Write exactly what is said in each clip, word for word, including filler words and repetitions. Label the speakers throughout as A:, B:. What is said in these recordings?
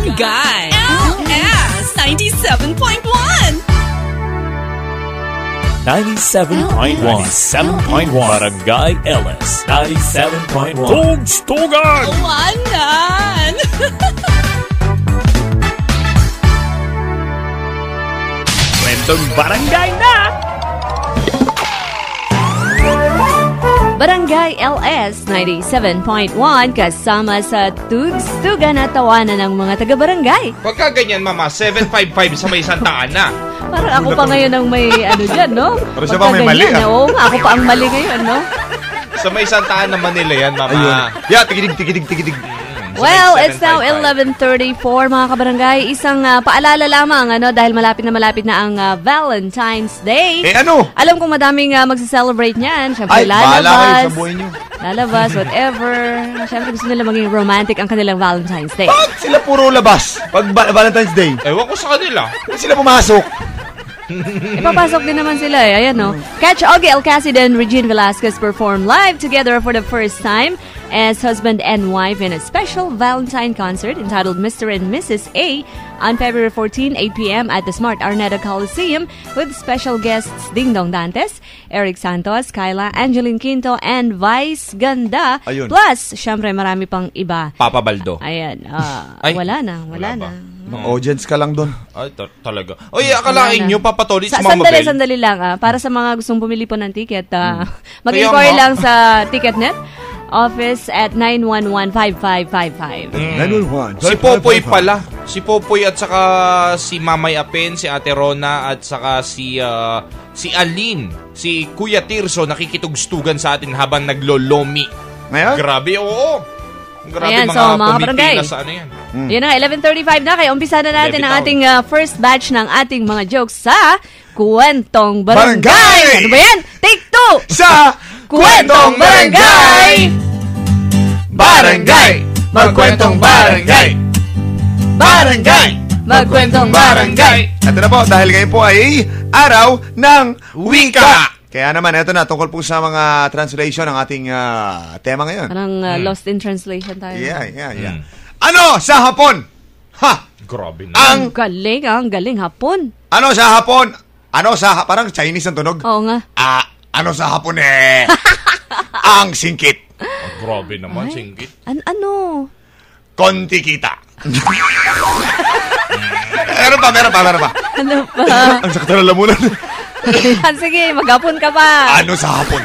A: Barangay L S ninety-seven point one.
B: ninety-seven point one. ninety-seven point one. Barangay L S ninety-seven point one. Tugstugan!
A: Wanan!
B: Kwentong barangay na!
C: Barangay L S ninety-seven point one kasama sa Tugstugan at tawanan ng mga taga-barangay.
D: Pagka ganyan, mama, seven five five sa may Santa Ana.
C: Parang ako pa ngayon ang may ano dyan, no?
E: Pero siya pa may mali, ah.
C: Oo, ako pa ang mali ngayon, no?
D: Sa may Santa Ana, Manila yan, mama.
E: Ayun. Yeah, tigidig, tigidig, tigidig.
C: Well, it's now eleven thirty-four mga kabarangay. Isang uh, paalala lamang ano dahil malapit na malapit na ang uh, Valentine's Day.
E: Eh ano?
C: Alam kong madaming uh, magse-celebrate niyan. Siyempre
E: Ay, bahala kayo
C: lalabas.
E: sa buhay niyo.
C: Lalabas, whatever. Siyempre gusto nila maging romantic ang kanilang Valentine's Day.
E: Bakit sila puro labas pag ba- Valentine's Day?
D: Ewan ko sa kanila.
E: Bakit sila pumasok?
C: Ipapasok din naman sila eh. Ayan no. Catch Augie Alcacid and Regine Velasquez perform live together for the first time as husband and wife in a special Valentine concert entitled Mister and Missus A on February fourteenth, eight p.m. at the Smart Araneta Coliseum with special guests Ding Dong Dantes, Eric Santos, Kyla, Angeline Quinto, and Vice Ganda.
E: Ayun.
C: Plus, syempre marami pang iba.
D: Papa Baldo.
C: Ayan. ah,
D: Ay,
C: wala na.
D: wala
C: Wala, na.
E: Ng audience ka lang doon.
D: Ay, ta- talaga. Oy, akalain
C: Wala na.
D: nyo, papatolit
C: Sa,
D: sa Mama
C: sandali,
D: Bell.
C: sandali lang. Ah, para sa mga gustong bumili po ng ticket, ah,
D: Kaya
C: mag-inquire
D: nga.
C: lang sa TicketNet office at nine one one, five five five five.
E: nine one one.
D: Si Popoy pala. Si Popoy at saka si Mamay Apen, si Ate Rona at saka si ah, si Aline, si Kuya Tirso nakikitugstugan sa atin habang naglolomi.
E: Ngayon?
D: Grabe, oo. Grabe
C: Ayan,
D: mga
C: so, mga
D: pumipila
C: barangay.
D: sa ano yan.
C: Yun na, eleven thirty-five na. Kaya umpisa na natin ang
D: Levitown.
C: ating ah, first batch ng ating mga jokes sa Kwentong Barangay.
E: Barangay!
C: Ano ba yan? Take two!
E: Sa
C: Kwentong Barangay!
E: Barangay! Magkwentong barangay! Barangay!
C: Magkwentong Barangay!
E: Ito na po, dahil ngayon po ay araw ng wika! Kaya naman, ito na, tungkol po sa mga translation ng ating ah, tema ngayon.
C: Parang ah, lost in translation tayo.
E: Yeah, yeah, yeah. Ano sa Hapon? Ha?
D: Grabe na.
E: Ang,
C: Ang galing, ah, ang galing hapon.
E: ano sa Hapon? Ano sa, parang Chinese ang tunog?
C: Oo nga.
E: Ah, ano sa Hapon eh? Ang singkit.
D: Oh, grabe naman,
C: Ay.
D: singgit.
C: An ano?
E: Konti kita. meron pa, meron pa, meron pa.
C: Ano pa?
E: Ang sakit na lamunan.
C: Ayan, sige, maghapon ka pa.
E: Ano sa Hapon?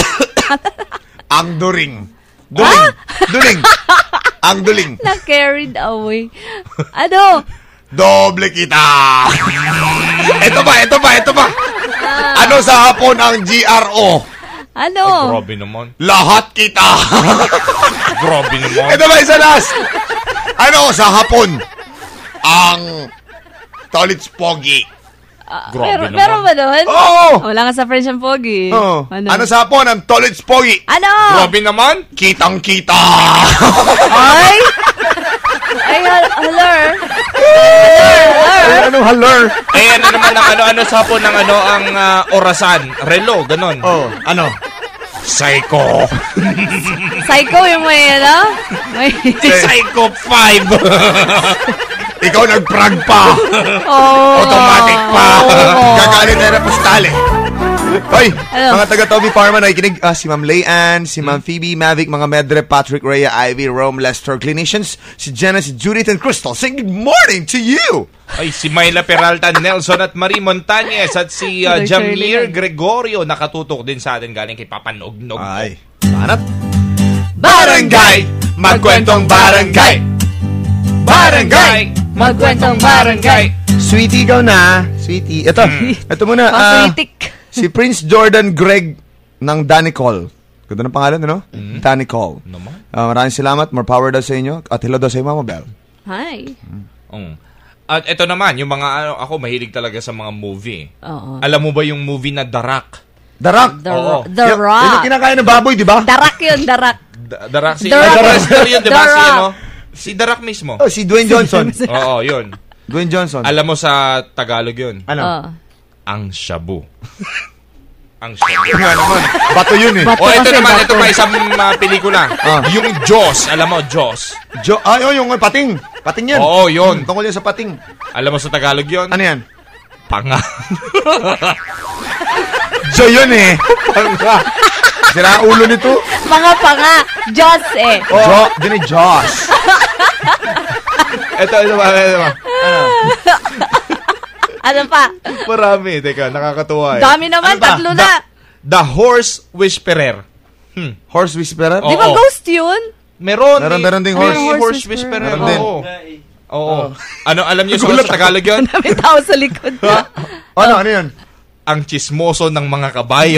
E: Ang during. Duling. Duling. Ang duling.
C: Na-carried away. Ano?
E: Doble kita. Ito pa, ito pa, ito pa. Ano sa Hapon ang G R O?
C: Ano?
D: Ay, grabe naman.
E: Lahat kita.
D: Grabe naman.
E: Ito ba isa last? Ano sa Hapon ang Tolits Pogi?
D: Grabe
C: Pero,
D: naman.
C: pero ba doon?
E: Oo.
C: Wala ka sa French and Pogi.
E: Oh.
C: Ano?
E: Ano sa Hapon ang Tolits Pogi?
C: Ano?
D: Grabe naman.
E: Kitang kita.
C: Ay? Ay, hal- halar.
E: Ay, anong halar?
D: Eh, ano naman ang ano-ano sa po ng ano ang ah, orasan? Relo, ganon.
E: Oh, ano? Psycho.
C: Psycho yung may, ano? May...
D: Psycho five.
E: Ikaw nag-prag pa.
C: Oh.
E: Automatic pa.
C: Oh.
E: Gagalit na na postale. Hoy,
C: Ano?
E: mga taga Toby Parma nakikinig. Ah, si Ma'am Layan, si Ma'am Phoebe, Mavic, mga Medre, Patrick, Rhea, Ivy, Rome, Lester, Clinicians, si Jenna, si Judith, and Crystal. Say good morning to you.
D: Ay, si Myla Peralta, Nelson at Marie Montañez at si uh,
C: Hello,
D: Jamir
C: Shirley.
D: Gregorio nakatutok din sa atin galing kay Papa Nog-Nog.
E: Ay, banat.
D: Barangay! Magkwentong barangay! Barangay!
C: Magkwentong barangay.
E: Sweetie, ikaw na. Sweetie. Ito, ito muna. ah,
C: Paswitik.
E: si Prince Jordan Greg ng Danicol. Ganda ng pangalan, ano? Danicol.
D: Naman.
E: Ah, maraming salamat. More power daw sa inyo. At hello daw sa iyo, Mama Bell.
C: Hi.
D: Mm. At ito naman, yung mga ano, ako mahilig talaga sa mga movie.
C: Oo.
D: Alam mo ba yung movie na The Rock?
E: The Rock.
C: The,
D: Oo.
C: the
E: Yan-
C: Rock.
E: Yan yung kinakain ng baboy, di ba?
C: Darak yun, darak.
D: The, The Rock, si
C: The Rock.
D: The wrestler yun, di ba?
C: The
D: Si,
C: Rock.
D: ano? Si The Rock mismo.
E: Oh, si Dwayne Johnson.
D: Oo, yun.
E: Dwayne Johnson.
D: Alam mo sa Tagalog yun?
E: Ano?
C: Oh.
D: Ang shabu. Ang shabu.
E: Nga naman. Bato yun eh.
C: Bato.
D: O, ito
C: kasi
D: naman,
C: bato.
D: ito pa isang uh, pelikula.
E: Ah.
D: Yung Jaws. Alam mo, Jaws.
E: Jo, ay, oh, yung pating. Pating yan.
D: Oo, yun.
E: Hmm, tungkol yan sa pating.
D: Alam mo sa Tagalog yun?
E: Ano yan?
D: Panga.
E: Jo yun eh. Panga. Sira ang ulo nito.
C: Mga panga. Diyos eh.
E: Oh. Jo, din eh, Josh.
D: Ito, ito ba? Ito ba?
C: Ano pa?
D: Marami. Teka, nakakatuwa eh.
C: Dami naman,
E: Ano ba?
C: tatlo na.
D: The Horse Whisperer. Hmm.
E: Horse whisperer?
D: Oh.
C: Di ba
D: Oo.
C: ghost yun?
D: Meron.
E: Meron,
D: eh.
E: meron ding horse.
D: May
C: Horse
D: horse
C: whisperer.
D: whisperer.
E: Meron din.
D: Oo. Oo. Ano, alam niyo sa sa Tagalog yun?
C: May tao sa likod.
E: Ano, ano yun?
D: Ang chismoso ng mga kabayo.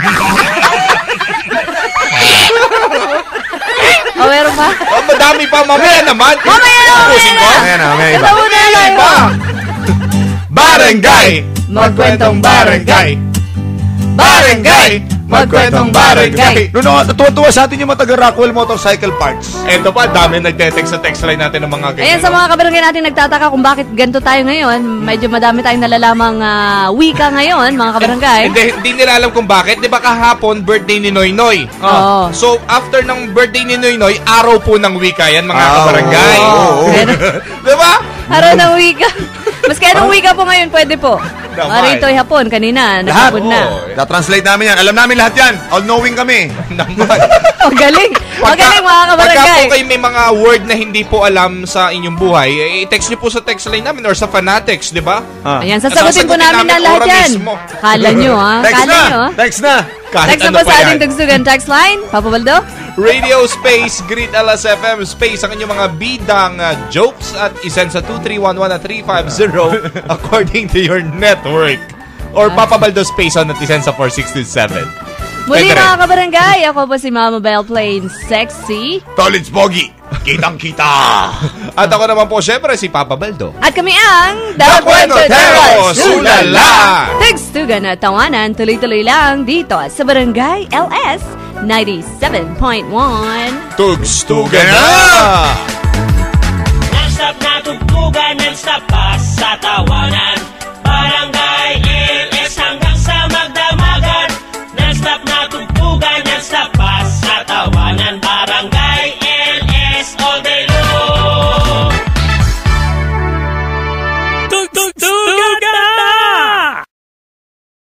C: O, meron pa?
D: Oh, madami pa. Mamaya naman.
C: Mamaya na, mamaya na.
E: Ayan na, may iba.
C: Ito muna na lang.
D: Iba. Barangay.
C: Magkwentong barangay.
D: Barangay.
C: Magkwentong barangay.
E: No, no, natuwa-tuwa sa atin yung mga taga-Rockwell Motorcycle Parts.
D: Ito pa, dami nagte-text sa text line natin ng mga ganyan.
C: Ayan, sa mga kabarangay natin nagtataka kung bakit ganito tayo ngayon. Medyo madami tayong nalalamang ah, wika ngayon, mga kabarangay.
D: Hindi, hindi nila alam kung bakit. Di ba kahapon, birthday ni Noy Noy?
C: Oo.
D: So, after ng birthday ni Noy Noy, araw po ng wika yan, mga
E: Ah,
D: kabarangay.
E: oo, oo.
D: Di ba?
C: Araw ng wika. Mas kaya ng wika po ngayon, pwede po.
D: Naman.
C: Mga rito ay hapon, kanina,
E: Lahat.
C: naghapon na.
D: Oo.
E: Na-translate namin yan. Alam namin lahat yan. All-knowing kami.
D: Naman.
C: O, galing. O, galing, mga
D: Pagka
C: kabarangay.
D: po kayo may mga word na hindi po alam sa inyong buhay, eh, i-text nyo po sa text line namin or sa Fanatics, di ba?
E: Ah.
C: Ayan, sasagutin po
D: Sasagutin
C: namin na
D: namin
C: lahat
D: ora
C: yan.
D: mismo.
C: Kala nyo, ha?
E: Text
C: Kala
E: na.
C: nyo, ha?
E: Text na.
D: Kahit
C: Text na
D: ano
C: po
D: pa
C: sa
D: yan.
C: ating tugsugan text line. Papa Baldo?
D: Radio Space, Greet L S F M Space, ang inyong mga bidang uh, jokes at isend sa two three one one at three five zero according to your network. Or Papa Baldo Space on at isend sa four six two seven.
C: Muli
D: Pwede rin.
C: mga kabarangay, ako po si Mama Belle Plain Sexy.
E: Tolits Pogi. Kitang-kita.
D: At ako naman po, syempre, si Papa Baldo.
C: At kami ang
D: The Cuentoteros, Ulala!
C: Tugstugan at tawanan, tuloy-tuloy lang dito sa Barangay L S ninety-seven point one.
D: Tugstugan na!
F: Non-stop na tugtugan, non-stop pa sa tawanan.